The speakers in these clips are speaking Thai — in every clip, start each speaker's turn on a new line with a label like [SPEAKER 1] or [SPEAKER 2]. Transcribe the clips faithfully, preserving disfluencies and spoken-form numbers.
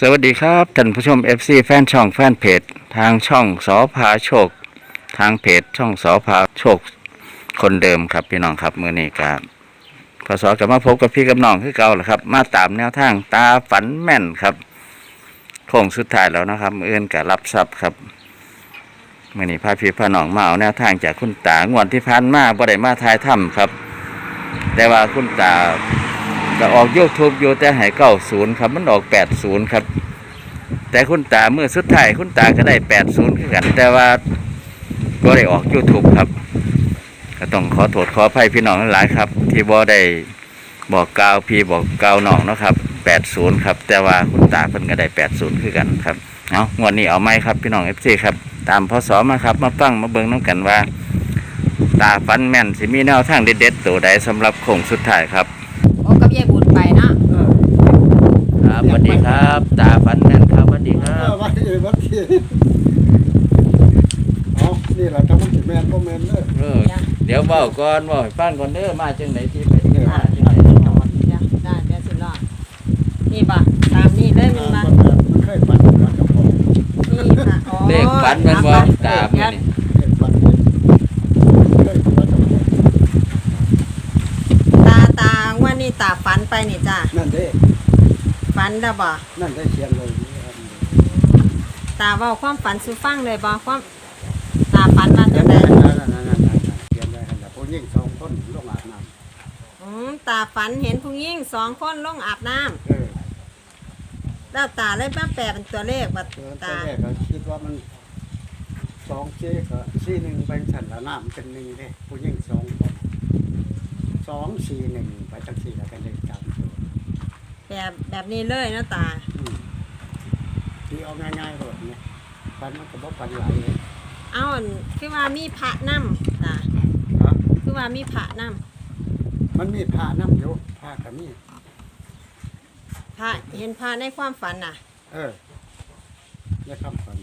[SPEAKER 1] สวัสดีครับท่านผู้ชม เอฟ ซี แฟนช่องแฟนเพจทางช่องสอพาโชคทางเพจช่องสอพาโชคคนเดิมครับพี่น้องครับมือนี้ครับพศกลับมาพบกับพี่กับน้องคือเก่าแหละครับมาตามแนวทางตาฝันแม่นครับโค้งสุดท้ายแล้วนะครับมืออื่นกับรับทรัพย์ครับมือนี้พาพี่พาน้องมาเอาแนวทางจากคุณตางวดที่ผ่านมาบ่ได้มาทายถ้ำครับแต่ว่าคุณตาก็ออกยูทูบอยู่แต่ให้เก้าศูนย์ครับมันออกแปดศูนย์ครับแต่คุณตาเมื่อสุดท้ายคุณตาก็ได้แปดศูนย์คือกันแต่ว่าก็ได้ออกยูทูบครับก็ต้องขอโทษขออภัยพี่น้องหลายครับที่บ่ได้บอกกล่าวพี่บอกกล่าวน้องนะครับแปดศูนย์ครับแต่ว่าคุณตาเพิ่นก็ได้แปดศูนย์คือกันครับเอางวดนี้เอาไหมครับพี่น้อง เอฟ ซี ครับตามพศมาครับมาฟังมาเบิ่งน้ำกันว่าตาฟันแม่นสิมีแนวทางเด็ดๆตัวใดสำหรับโค้งสุดท้ายครับ
[SPEAKER 2] โอ้กับยายบุญไปเนาะ
[SPEAKER 1] ครับสวัสดีครับตาฟันแม่นครับสวัสดีครับ
[SPEAKER 3] วัดที่วัดที่เอานี่แหละทั้งมันสิแม่นบ่แม่นเด้อ
[SPEAKER 1] เออเดี๋ยวเว้าก่อนเว้าให้ฟังก่อนเด้อมาจังไดที่ไปที่มาจังได๋
[SPEAKER 2] จ้ะได้เดี๋ยวสิรอดนี่ป่ะตามนี่เลยมันมา
[SPEAKER 3] มันเคยฝันว่าจะพอ
[SPEAKER 2] นี่ค่ะอ๋อ
[SPEAKER 1] เลขฝันมันบ่ตามนี่
[SPEAKER 3] เคยฝันเคยฝันว่าจะพอ
[SPEAKER 2] ตาตาว่านี่ตาฝันไปนี่จ้ะ
[SPEAKER 3] นั่นเด้
[SPEAKER 2] ฝันแล้วบ่
[SPEAKER 3] นั่นได้เขียนเลยนี่ครับ
[SPEAKER 2] ตาเว้าความฝันสู่ฟังเลยบ่ความตาฝันว่า
[SPEAKER 3] เขี
[SPEAKER 2] จั
[SPEAKER 3] ยน
[SPEAKER 2] งได๋
[SPEAKER 3] ได้นั่นนั่นนั่นนั่นเขียนได้หั่นน่ะผู้หญิงสองคนลงอาบน้ำ
[SPEAKER 2] อืมตาฝันเห็นผู้หญิงสองคนลงอาบน้ำ
[SPEAKER 3] เออ
[SPEAKER 2] แล้วตาเลยมาแปลเป็นตัวเลขว่า
[SPEAKER 3] เออตอ
[SPEAKER 2] ตาน
[SPEAKER 3] แรกก็คิดว่ามันสองเจ๊ก็สี่หนึ่งไปฉันละน้ำเป็นหนึ่งเด้ผู้หญิงสองคนสองสี่หนึ่งไปจังสี่แล้วกันเลยจำตัว
[SPEAKER 2] แบบแบบนี้เลยนะตา
[SPEAKER 3] อืมที่เอาง่ายๆแบบนี้ฟันมันก็บอกฟันไหลายเลย
[SPEAKER 2] เอ้าอั่นคือว่ามีพระนำตา
[SPEAKER 3] ฮะ
[SPEAKER 2] คือว่ามีพระนำ
[SPEAKER 3] มันมีผ้าน้ำอยู่ผ้ากับมี
[SPEAKER 2] พระเห็นพระในความฝันน่ะ
[SPEAKER 3] เออนี่คำฟัน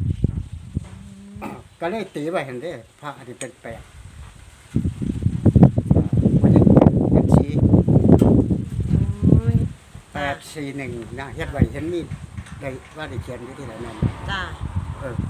[SPEAKER 3] ก็เลยตีไว้เห็นได้ผ้าอันนี้เป็นแปดวันนี้เป็นสี
[SPEAKER 2] โอ้ย
[SPEAKER 3] แปดสี่หนึ่งนะเฮ็ดไว้เห็นมีดได้ว่าได้เขียนอยู่ที่ไหนนั่น
[SPEAKER 2] จ้า
[SPEAKER 3] เออ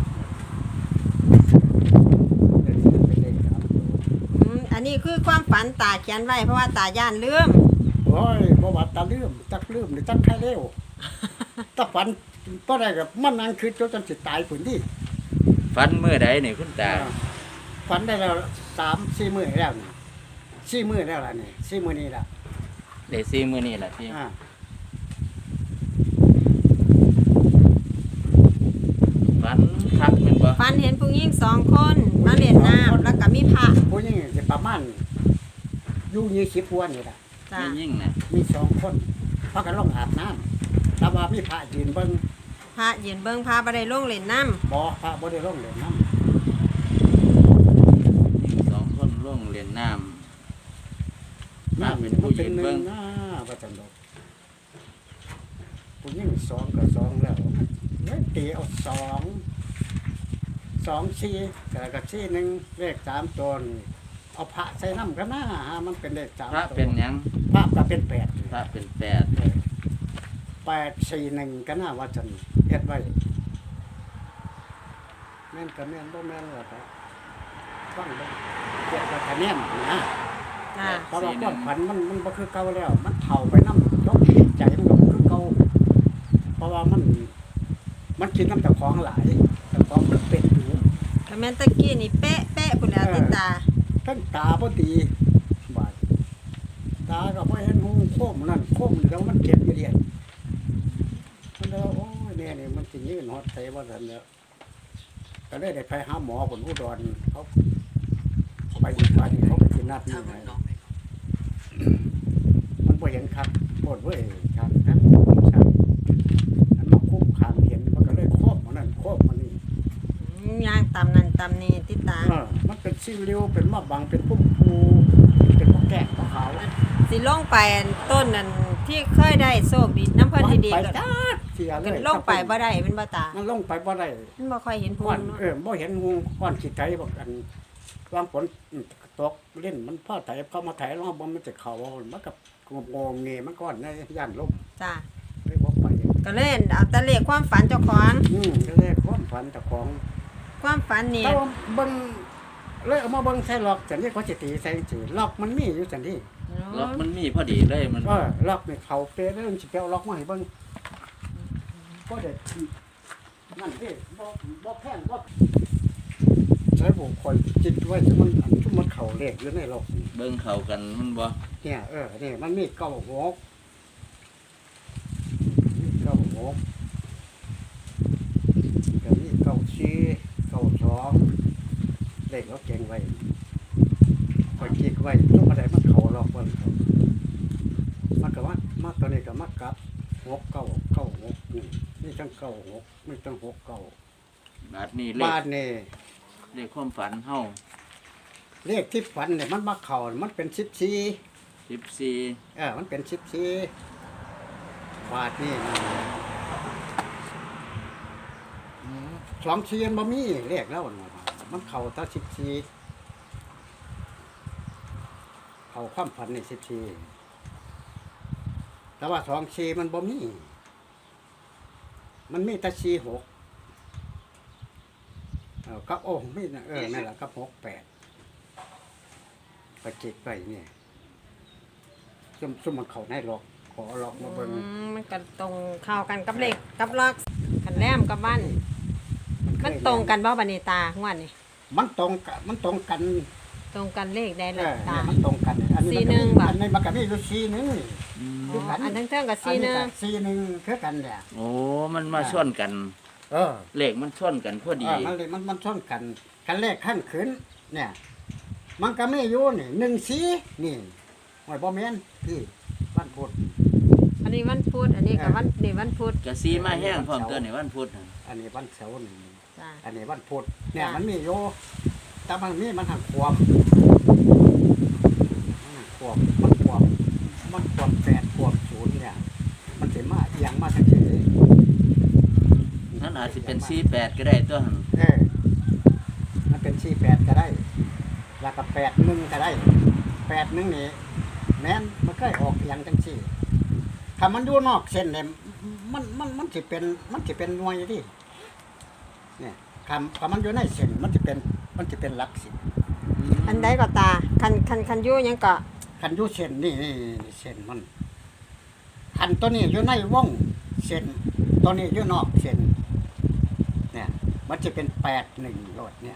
[SPEAKER 3] เป็นเป็นเลขสามตัว
[SPEAKER 2] อืมอันนี้คือความฝันตาเขียนไว้เพราะว่าตาย่านลืม
[SPEAKER 3] โอ้ยบ่ว่าตาลืมตักลืมหรือตักใครเร็วตาฝันบ่ได้กับมันนั่งคือจนสิตายพุ่นดิ
[SPEAKER 1] ฟันเมื่อใดนี่คุณตา
[SPEAKER 3] ฝันได้แล้วสามสี่มื้อแล้วนี่สี่มื้อแล้วล่ะนี่สี่มื้อนี้ล่ะ
[SPEAKER 1] ได้สี่มื้อนี้ล่ะที่
[SPEAKER 3] อ่า
[SPEAKER 1] ฟันคักแม่นบ่
[SPEAKER 2] ฝันเห็นผู้หญิงสองคนมาเล่นน้ำแล้วก็มีพระ
[SPEAKER 3] ผู้หญิงสิประมาณอยู่ยี่สิบกว่านี่ล่ะ
[SPEAKER 2] จ้า
[SPEAKER 1] ไม่ยิ่งนะ
[SPEAKER 3] มีสองคนพากันลงอาบน้ำแต่ว่ามีพระยืนเบิ่ง
[SPEAKER 2] พระยืนเบิ่งพระบ่ได้ลงเล่นน้
[SPEAKER 3] บ่พระบ่ได้ลงเล่นน้
[SPEAKER 1] ยิ่งสองคนลงเรียนน้ำ
[SPEAKER 3] ำ
[SPEAKER 1] พระ
[SPEAKER 3] น้ำ
[SPEAKER 1] เป็
[SPEAKER 3] เป็น น
[SPEAKER 1] ผู้
[SPEAKER 3] ผู้
[SPEAKER 1] ยื
[SPEAKER 3] ยื
[SPEAKER 1] น
[SPEAKER 3] น
[SPEAKER 1] เบิ่
[SPEAKER 3] เบิ่
[SPEAKER 1] ง
[SPEAKER 3] งนะว่าจังดอกผู้หญิงสองกับสองแล้วเฮ้ยตีเอาสองสองสี่กับกับสี่หนึ่งเลขสามตัวนี่เอาพระใส่น้ำกันนะฮะมันเป็นเลขสาม
[SPEAKER 1] พระ
[SPEAKER 3] ตัว
[SPEAKER 1] เป็นหยัง
[SPEAKER 3] พระก็เป็นแปด
[SPEAKER 1] พระเป็นแปด
[SPEAKER 3] แปดสี่หนึ่งก็น่าว่าจันเฮ็ดไว้แม่นก็แม่นบ่แม่นหรอกครับฟังเบิ่งเกี่ยวกับคะแนนนะ
[SPEAKER 2] ำจ้า
[SPEAKER 3] เพราะว่าความฝันมันมันบ่คือเก่าแล้ว มันเฒ่าไปนำยกใจมันก็บ่คือเก่าเพราะว่ามัน มันกินน้ำเจ้าของหลายเจ้าของมันเป็ดอยู่
[SPEAKER 2] ก็แม่นตะกี้นี่เป๊ะเป๊ะพุ่นแล้วติตา
[SPEAKER 3] ทั้งตาบ่ดีบาดตาก็บ่เห็นหูโคมนั่นโคมนี่แล้วมันเจ็บอยู่เดียนมันแล้วโอ้ยเนี่ยนี่มันสิยืนฮอดไสว่าซั่นแล้วก็เลยได้ไปหาหมอผลอุดรเขาไปอีกวันเขาไปที่นัดนี่ไงมันบ่เห็นครับปวดเว้ยครับครับใช่อันมาคุ้มขามเห็นมันก็เลยโคบมันนั่นโคบมันนี่
[SPEAKER 2] อืมย่างตำนั่นตำนี่ติตา
[SPEAKER 3] เออมันเป็นซิริวเป็นมะบังเป็นพุ่มพูเป็นพวกแกะพวกขาว
[SPEAKER 2] สิลงไปต้นนั่นที่เคยได้โชคดีน้ำเพิ่นดี
[SPEAKER 3] ไป
[SPEAKER 2] ๆก็
[SPEAKER 3] จ้าเสียเล
[SPEAKER 2] กัน
[SPEAKER 3] ย
[SPEAKER 2] ลงไปบ่ได้เป็นบ่ตา
[SPEAKER 3] มันลงไปบ่ได้
[SPEAKER 2] มันบ่ค่อยเห็นภู
[SPEAKER 3] ก้อน
[SPEAKER 2] มิเนาะ
[SPEAKER 3] เออบ่เห็นงูก้อนขี้ไก่บอกกันวางฝนตกเล่นมันพ่อไถเข้ามาไถแล้วบ่มันจะเข้ามันกับงงงเงมันก้อนในย่านลม
[SPEAKER 2] จ้า
[SPEAKER 3] เลยบ่ไป
[SPEAKER 2] ก็เล่นเอาแต่เลขความฝันเจ้าของ
[SPEAKER 3] อืมก็เลขความฝันเจ้าของ
[SPEAKER 2] ความฝันนี่
[SPEAKER 3] แต่ว่าเบิ่งเลยเอามาเบิ่งใส่ล็อกจังนี้เขาสิตีใส่จังซี่ล็อกมันมีอยู่จังนี้
[SPEAKER 1] ล็อกมันมีพอดีเลยมัน
[SPEAKER 3] เออล็อกนี่เขาเปะแล้วมันสิไปเอาล็อกมาให้เบิ่งก็ได้นั่นเด้บ่บ่แพงบ่ใช้ผมคอยจิตไว้ที่มันอันที่มันเข้าเลขอยู่ในล็อกนี่
[SPEAKER 1] เบิ่งเข้ากันมันบ่
[SPEAKER 3] เนี่ยเออนี่มันมีเก้าหกมีเก้าหกก็มีเก้าสี่เก้าสองเลขเราเก่งไว้คอยคิดไว้ทุกอะไรมันเข้าล็อกเบิ่งเขามันก็ว่ามาตัวนี้ก็มากลับหกเก้าเก้าหกนี่มีทั้งเก้าหกมีทั้งหกเก้า
[SPEAKER 1] บาดนี้เลข
[SPEAKER 3] บ้านนี่
[SPEAKER 1] เลขความฝันเฮา
[SPEAKER 3] เลขที่ฝันเนี่ยมันมาเข่ามันเป็นสิบสี่
[SPEAKER 1] สิบสี่
[SPEAKER 3] เออมันเป็นสิบสี่บาทนี่นะสองสี่มันบ่มีเลขแล้วนะมันเข่าตั้งสิบสี่เข่าความฝันนี่สิบสี่แต่ว่าสองสี่มันบ่มีมันมีแต่สี่หกเออกับโอ้ไม่นะเออนั่นแหละกับหกแปดไปจิตไปเนี่ยซุ่มซุ่มมันเขาในหลอกขอหลอกมาเบิ่ง
[SPEAKER 2] อืมมันก็ตรงเข้ากันกับเลขกับล็อกกันแลมกับบ้านมันตรงกันบ่บัดนี้ตางวดนี่
[SPEAKER 3] มันตรงกันมันตรงกัน
[SPEAKER 2] ตรงกันเลขได้
[SPEAKER 3] เอ
[SPEAKER 2] ละ
[SPEAKER 3] อ
[SPEAKER 2] ตา
[SPEAKER 3] เนี่ยมันตรงกันอันนี้
[SPEAKER 2] สี่หนึ่ง
[SPEAKER 3] มั
[SPEAKER 2] บาท
[SPEAKER 3] อันนี้มันก็มีอยู่สี่หนึ่งนี่
[SPEAKER 2] อ๋ออันทั้งเท่งกับ
[SPEAKER 3] อั
[SPEAKER 2] สี่หนึ่ง
[SPEAKER 3] ก็สี่หนึ่งคือกันเนี่ย
[SPEAKER 1] โอ้มันมาชนกัน
[SPEAKER 3] เออ
[SPEAKER 1] เลขมันชนกันพอ
[SPEAKER 3] เอ
[SPEAKER 1] ดี
[SPEAKER 3] อมันเลยมันมันช่อนกันกันเลขขั้นขึ้นเนี่ย มันก็ไม่อยู่นี่หนึ่งสี่นี่หอยบ่แม่นที่บ้านพุทธ
[SPEAKER 2] อันนี้วันพุธอันนี้กับวันนี่วันพุธ
[SPEAKER 1] กะซีมาแห้งพร้อมตัวนี่วันพุธน่ะ
[SPEAKER 3] อันนี้วันเสาร์นี่
[SPEAKER 2] จ้า
[SPEAKER 3] อันนี้วันพุธเนี่ย
[SPEAKER 2] จ้ะ
[SPEAKER 3] มันมีอยู่แต่มันมีมันหักควบมันหักควบมันควบมันควบแปดควบศูนย์เนี่ย มันสิมาเอียงมาทางนี้
[SPEAKER 1] นั่นอาจสิเป็นสี่แปดก็ได้ตัวหั่น
[SPEAKER 3] เออมันเป็นสี่แปดก็ได้ แล้วก็แปดหนึ่งก็ได้แปดหนึ่งนี่แม้นมันก็ออกเอียงจังสี่ถ้ามันอยู่นอกเส้นเนี่ยมันมันมันสิเป็นมันสิเป็นหน่วยที่เนี่ยคำถ้ามันอยู่ในเส้นมันจะเป็นมันจะเป็นหลักสิบ
[SPEAKER 2] อันใดก็ตาคันคันคันอยู่หยังก็
[SPEAKER 3] คันอยู่เส้นนี่นี่เส้นมันคันตัวนี้อยู่ในวงเส้นตัวนี้อยู่นอกเส้นเนี่ย มันจะเป็นแปดหนึ่งโลดเนี่ย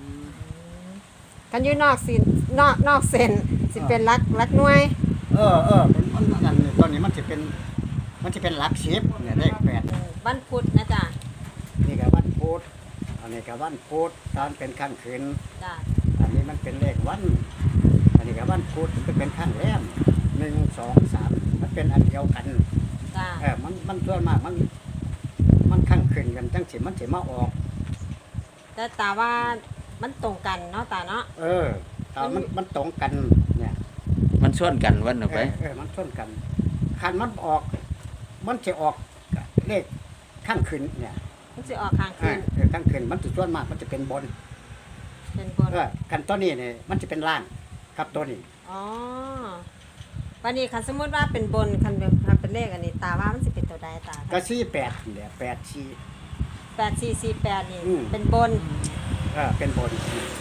[SPEAKER 2] คันอยู่นอกสินอกนอกเส้นสิเป็นลักลักหน่วย
[SPEAKER 3] เออเออเป็นมันนั่นนี่ตัวนี้มันจะเป็น มันจะเป็นหลักสิบเนี่ยเลขแปด
[SPEAKER 2] วันพุธนะจ้า
[SPEAKER 3] นี่ก็วันพุธอันนี้ก็วันพุธตอนเป็นข้างคืน
[SPEAKER 2] จ้า
[SPEAKER 3] อันนี้มันเป็นเลขวัน อันนี้ก็วันพุธมันเป็นข้างแรมหนึ่งสองสามมันเป็นอันเดียวกัน
[SPEAKER 2] จ้า
[SPEAKER 3] เออมันมันส่วนมากมัน มันข้างคืนกันจังสิมันสิมาออก
[SPEAKER 2] แต่ตาว่ามันตรงกันเนาะตาเนาะ
[SPEAKER 3] เออตอนมันมันตรงกันเนี่ย
[SPEAKER 1] มันชนกันวันน่ะ
[SPEAKER 3] เอ
[SPEAKER 1] ไป
[SPEAKER 3] อเออมันชนกันคันมันออก มันจะออกเลขข้างคืนเนี่ย
[SPEAKER 2] มันสิออกข้าง
[SPEAKER 3] เอ
[SPEAKER 2] คื
[SPEAKER 3] อน เออข้างคืนมันจะส่วนมากมันจะเป็นบน
[SPEAKER 2] เป็นบน
[SPEAKER 3] เออกันตัวนี้เนี่ยมันจะเป็นล่างครับตัวนี้
[SPEAKER 2] อ๋อวันนี้คันสมมติว่าเป็นบนคันเป็นคันเป็นเลขอันนี้ตาว่ามันสิเป็นตัวใดตา
[SPEAKER 3] ก็สี่แปดเนี่ยแปดสี่
[SPEAKER 2] แปดสี่สี่แปดนี่
[SPEAKER 3] อืม
[SPEAKER 2] เป็นบน
[SPEAKER 3] เออเป็นบน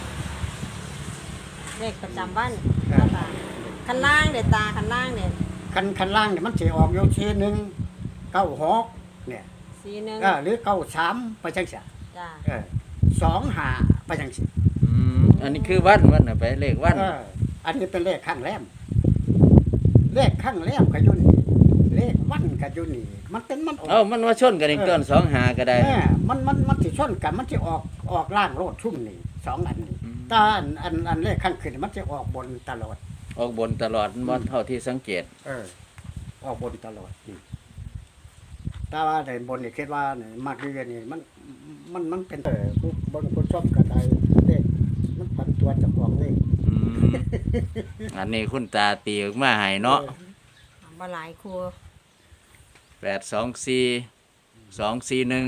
[SPEAKER 2] เลขประจำวัน
[SPEAKER 3] เออ
[SPEAKER 2] ตาคันล่างเด็ดตาคันล่างเนี่ย
[SPEAKER 3] คันคันล่างเนี่ยมันจะออกโยเชหนึ่งเก้าหกเนี่ย
[SPEAKER 2] สีหนึ่ง
[SPEAKER 3] เออหรือเก้าสามไปจังสิ
[SPEAKER 2] จ้า
[SPEAKER 3] เออสองหาไปจังสิ
[SPEAKER 1] อืมอันนี้คือวันวันน่ะไปเลขวัน
[SPEAKER 3] เอออันนี้เป็นเลขข้างแรมเลขข้างแรมก็อยู่นี่เลขวันก็อยู่นี่มันเป็นมันออก
[SPEAKER 1] เอ้ามันว่าชนกันอีกต้นสองหาก็ได้
[SPEAKER 3] เออมันมันมันสิชนกันมันจะออกออกล่างโลดชุ่มนี่สองอันนี่
[SPEAKER 1] อืม
[SPEAKER 3] แตาอันอันอันเลขข้างขึ้นมันจะออกบนตลอด
[SPEAKER 1] ออกบนตลอดบ่เท่าที่สังเกต
[SPEAKER 3] เออ ออกบนตลอดนี่แต่ว่าในบนนี่คิดว่าเนี่ยมากเรียนนี่มันมันมันเป็นเออผู้บนคนชอบกระไดเลขมันพันตัวจะออกเลข
[SPEAKER 1] อืมอันนี้คุณตาตีออกมาให้เนาะ
[SPEAKER 2] บ่หลายครู
[SPEAKER 1] แปดสองสี่สองสี่หนึ่ง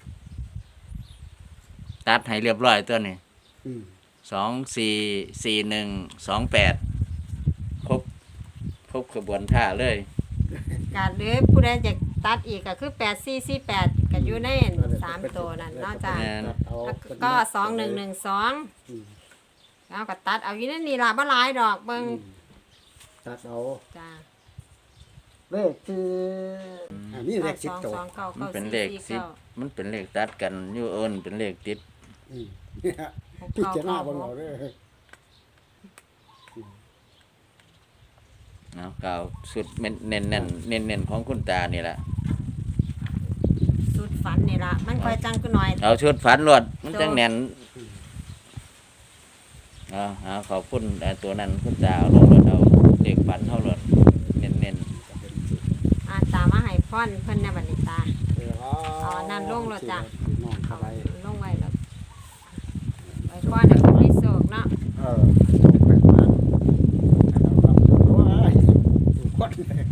[SPEAKER 1] ตัดให้เรียบร้อยตัวนี้
[SPEAKER 3] อืม
[SPEAKER 1] สองสี่สี่หนึ่งสองแปดครบครบขบวนท่าเลย
[SPEAKER 2] การหรือผู้ใดจะตัดอีกก็คือแปดสี่สี่แปดก็อยู่ในสามตัวนั่นเนาะจ้ะ
[SPEAKER 3] เอา
[SPEAKER 2] แล้วก็สองหนึ่งหนึ่งสองแล้วก็ตัดเอาอยู่ในนี่ล่ะบ่หลายดอกเบิ่ง
[SPEAKER 3] ตัดเอา
[SPEAKER 2] จ้า
[SPEAKER 3] เลขคืออันนี้เลขสิบตัว
[SPEAKER 2] สองเก้า
[SPEAKER 1] มัน
[SPEAKER 2] เก้า
[SPEAKER 1] เป็น
[SPEAKER 2] สี่
[SPEAKER 1] เลข
[SPEAKER 2] สี่
[SPEAKER 1] สิบ
[SPEAKER 2] เก้า
[SPEAKER 1] มันเป็นเลขตัดกันอยู่เอิ้นเป็นเลขติด
[SPEAKER 3] อืมพิจารณาเบิ่งเอาเด้อ
[SPEAKER 1] เนาะกล่าวสุดเน้นเน้นเน้นเน้นเน้นของคุณตานี่แหละ
[SPEAKER 2] สุดฝันนี่ล่ะมันค่อยจังกูหน่อย
[SPEAKER 1] เอาชุดฝันรวดมันจังแน่นเอาเอาขอบคุณแต่ตัวนั้นคุณตาเอาลงรถเอาเด็กฝันเท่ารถเน้นเน้น
[SPEAKER 2] อาตามาให้พรเพิ่นในบัดนี้ตา
[SPEAKER 3] เออ
[SPEAKER 2] เอาอันนั้นลงรถจ้ะ
[SPEAKER 3] น้องเข้าไป
[SPEAKER 2] ลงไว้แล้วไว้พรให้คนมีโชคเนาะ
[SPEAKER 3] เออส่งไปมาแล้วรับตัวไอ้สุคน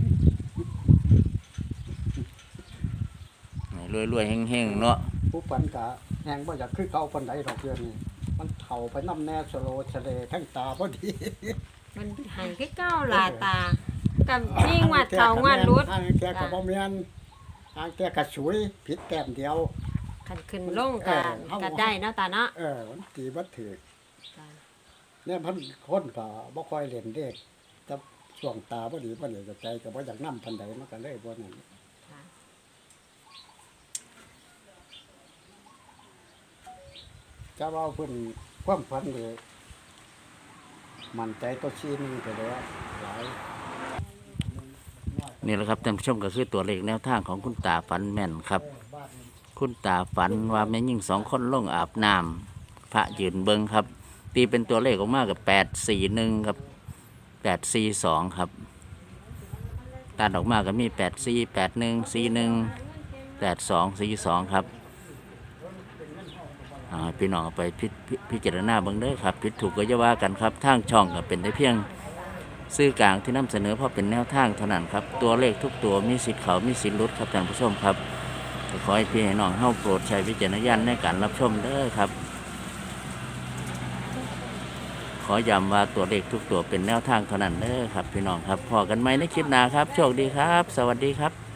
[SPEAKER 1] รวยรวยๆเฮงๆเนาะ
[SPEAKER 3] ผู้ปันกะแหงบ่อยากคือเขาปันใดดอกเดือนนี่มันเฒ่าไปน้ำแน่สโลทะเลทั้งตาพอดี
[SPEAKER 2] มันให้คือเก้าล่ะตากับนี่งวัดเขางวัดรุด
[SPEAKER 3] ทางแกก็บ่แม่นทางแกก็สวยผิดแต้มเดียว
[SPEAKER 2] คันขึ้นลงกันก็ได้เนาะตาเนาะ
[SPEAKER 3] เออมันตีบ่ถือ
[SPEAKER 2] จ้ะ
[SPEAKER 3] เนี่ยเพันคนก็บ่ค่อยเล่นเด้แต่ช่วงตาบ่ดีบ่นี่ก็ใจก็บ่อยากนำปานใดมันก็เลยบ่นั่น
[SPEAKER 2] ค่ะ
[SPEAKER 3] จะว่าเพิ่นความฝันนี่มั่นใจตัวชีนึงไปแล้วหลาย
[SPEAKER 1] นี่แหละครับท่านผู้ชมก็คือตัวเลขแนวทางของคุณตาฝันแม่นครับ คุณตาฝันว่าแม่ยิ่งสองคนลงอาบน้ำพระยืนเบิงครับ ตีเป็นตัวเลขออกมากับแปดสี่หนึ่งครับแปดสี่สองครับตัดออกมาก็มีแปดสี่แปดหนึ่งสี่หนึ่งแปดสองสี่สองครับอ่าพี่น้องเอาไปพิพิพิจารณาเบิ่งเด้อครับผิดถูกก็จะว่ากันครับทางช่องก็เป็นได้เพียงสื่อกลางที่นำเสนอเพราะเป็นแนวทางเท่านั้นครับตัวเลขทุกตัวมีสิทธิ์เขามีสิทธิ์หลุดครับท่านผู้ชมครับก็ขอให้พี่ให้น้องเฮาโปรดใช้วิจารณญาณในการรับชมเด้อครับ ขอย้ำว่าตัวเลขทุกตัวเป็นแนวทางเท่านั้นเด้อครับพี่น้องครับพอกันไหมในคลิปหน้าครับโชคดีครับ สวัสดีครับ